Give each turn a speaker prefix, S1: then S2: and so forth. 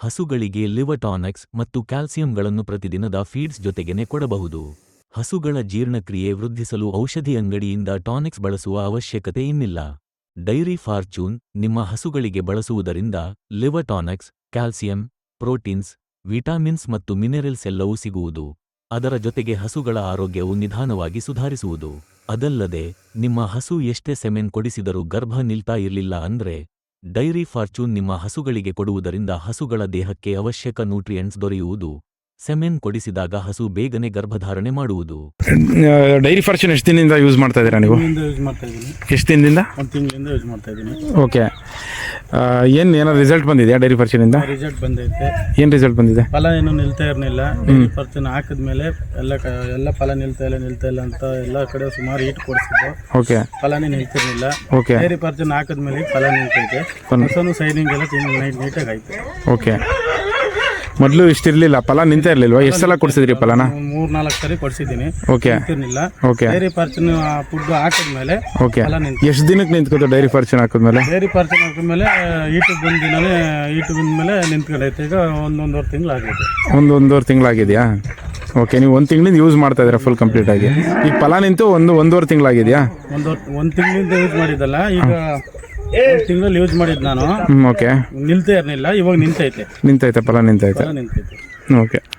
S1: ಹಸುಗಳಿಗೆ liver tonics ಮತ್ತು ಕ್ಯಾಲ್ಸಿಯಂಗಳನ್ನು ಪ್ರತಿದಿನದ ಫೀಡ್ಸ್ ಜೊತೆಗೇನೆ ಕೊಡಬಹುದು. ಹಸುಗಳ ಜೀರ್ಣಕ್ರಿಯೆ ವೃದ್ಧಿಸಲು ಔಷಧಿ ಅಂಗಡಿಯಿಂದ ಟಾನಿಕ್ಸ್ ಬಳಸುವ ಅವಶ್ಯಕತೆ ಇನ್ನಿಲ್ಲ. ಡೈರಿ ಫಾರ್ಚೂನ್ ನಿಮ್ಮ ಹಸುಗಳಿಗೆ ಬಳಸುವುದರಿಂದ liver tonics, calcium, proteins, vitamins ಮತ್ತು ಮಿನರಲ್ಸ್ ಎಲ್ಲವೂ ಸಿಗುವುದು. ಅದರ ಜೊತೆಗೆ ಹಸುಗಳ ಆರೋಗ್ಯವು ನಿಧಾನವಾಗಿ ಸುಧಾರಿಸುವುದು. ಅದಲ್ಲದೆ ನಿಮ್ಮ ಹಸು ಎಷ್ಟೇ ಸೆಮೆನ್ ಕೊಡಿಸಿದರೂ ಗರ್ಭ ನಿಲ್ತಾ ಇರಲಿಲ್ಲ ಅಂದ್ರೆ ಡೈರಿ ಫಾರ್ಚೂನ್ ನಿಮ್ಮ ಹಸುಗಳಿಗೆ ಕೊಡುವುದರಿಂದ ಹಸುಗಳ ದೇಹಕ್ಕೆ ಅವಶ್ಯಕ ನ್ಯೂಟ್ರಿಯೆಂಟ್ಸ್ ದೊರೆಯುವುದು. ಸೆಮೆನ್ ಕೊಡಿಸಿದಾಗ ಹಸು ಬೇಗನೆ ಗರ್ಭಧಾರಣೆ ಮಾಡುವುದು.
S2: ಡೈರಿ ಫಾರ್ಚೂನ್ ಎಷ್ಟು ದಿನದಿಂದ ಯೂಸ್ ಮಾಡ್ತಾ ಇದ್ದೀರಾ ನೀವು?
S3: ಯೂಸ್ ಮಾಡ್ತಾ ಇದ್ದೀನಿ.
S2: ಎಷ್ಟು ದಿನದಿಂದ?
S3: ಒಂದು ತಿಂಗಳಿಂದ ಯೂಸ್ ಮಾಡ್ತಾ ಇದ್ದೀನಿ.
S2: ಓಕೆ, ಏನಾದ್ರು ರಿಸಲ್ಟ್ ಬಂದಿದೆಯಾ ಡೈರಿ ಫಾರ್ಚೂನಿಂದ?
S3: ರಿಸಲ್ಟ್ ಬಂದೈತೆ.
S2: ಏನು ರಿಸಲ್ಟ್ ಬಂದಿದೆ?
S3: ಫಲ ಏನು ನಿಲ್ತಾ ಇರಲಿಲ್ಲ. ಡೈರಿ ಫಾರ್ಚೂನ್ ಹಾಕಿದ್ಮೇಲೆ ಎಲ್ಲ ಫಲ ನಿಲ್ತಾ ಇಲ್ಲ ಅಂತ ಎಲ್ಲ ಕಡೆ ಸುಮಾರು ಈಟ್ ಕೊಡಿಸಿದ್ದು.
S2: ಓಕೆ,
S3: ಫಲನೇ ನಿಲ್ತಿರ್ಲಿಲ್ಲ.
S2: ಓಕೆ,
S3: ಡೈರಿ ಫಾರ್ಚೂನ್ ಹಾಕಿದ್ಮೇಲೆ ಫಲ ನಿಲ್ತೈತೆ. ಹಸುನು ಸೈನಿಂಗ್ ಎಲ್ಲ ನೀಟಾಗಿ ಆಯ್ತು.
S2: ಓಕೆ, ಮೊದಲು ಇಷ್ಟಿರಲಿಲ್ಲ, ಫಲ ನಿಂತ ಇರಲಿಲ್ವಾ? ಎಷ್ಟು ಸಲ ಕೊಡಿಸಿದ್ರಿ ಫಲನ?
S3: 3-4 ಸರಿ ಕೊಡಿಸಿದ್ದೀನಿ.
S2: ಓಕೆ,
S3: ನಿಂತಿರ್ಲಿಲ್ಲ.
S2: ಓಕೆ,
S3: ಡೈರಿ ಫಾರ್ಚೂನ್ ಫುಡ್ ಹಾಕಿದ್ಮೇಲೆ
S2: ಓಕೆ.
S3: ಫಲ ನಿಂತು.
S2: ಎಷ್ಟು ದಿನಕ್ಕೆ ನಿಂತ್ಕೋತು ಡೈರಿ ಫಾರ್ಚೂನ್ ಹಾಕಿದ್ಮೇಲೆ?
S3: ಡೈರಿ ಫಾರ್ಚೂನ್ ಹಾಕಿದ್ಮೇಲೆ ಈಟು ಬಂದ್ಮೇಲೆ ನಿಂತ್ಕೊಂಡೈತೆ. ಈಗ ಒಂದೂವರೆ ತಿಂಗಳು ಆಗೈತೆ.
S2: ಒಂದೂವರೆ ತಿಂಗಳಾಗಿದೆಯಾ? ಓಕೆ, ನೀವು 1 ತಿಂಗಳಿಂದ ಯೂಸ್ ಮಾಡ್ತಾ ಇದ್ದೀರಾ ಫುಲ್ ಕಂಪ್ಲೀಟ್ ಆಗಿ. ಈಗ ಫಲ ನಿಂತು ಒಂದೂವರೆ ತಿಂಗಳಾಗಿದೆಯಾ?
S3: ಒಂದು ತಿಂಗಳಿಂದ ಯೂಸ್ ಮಾಡಿದ್ದಲ್ಲ, ಈಗ 1 ತಿಂಗಳಲ್ಲಿ ಯೂಸ್ ಮಾಡಿದ್ದು ನಾನು.
S2: ಓಕೆ,
S3: ನಿಲ್ತಾ ಇರಲಿಲ್ಲ, ಇವಾಗ ನಿಂತೈತೆ.
S2: ಫಲ ನಿಂತೈತೆ.
S3: ನಿಂತೈತೆ.
S2: ಓಕೆ.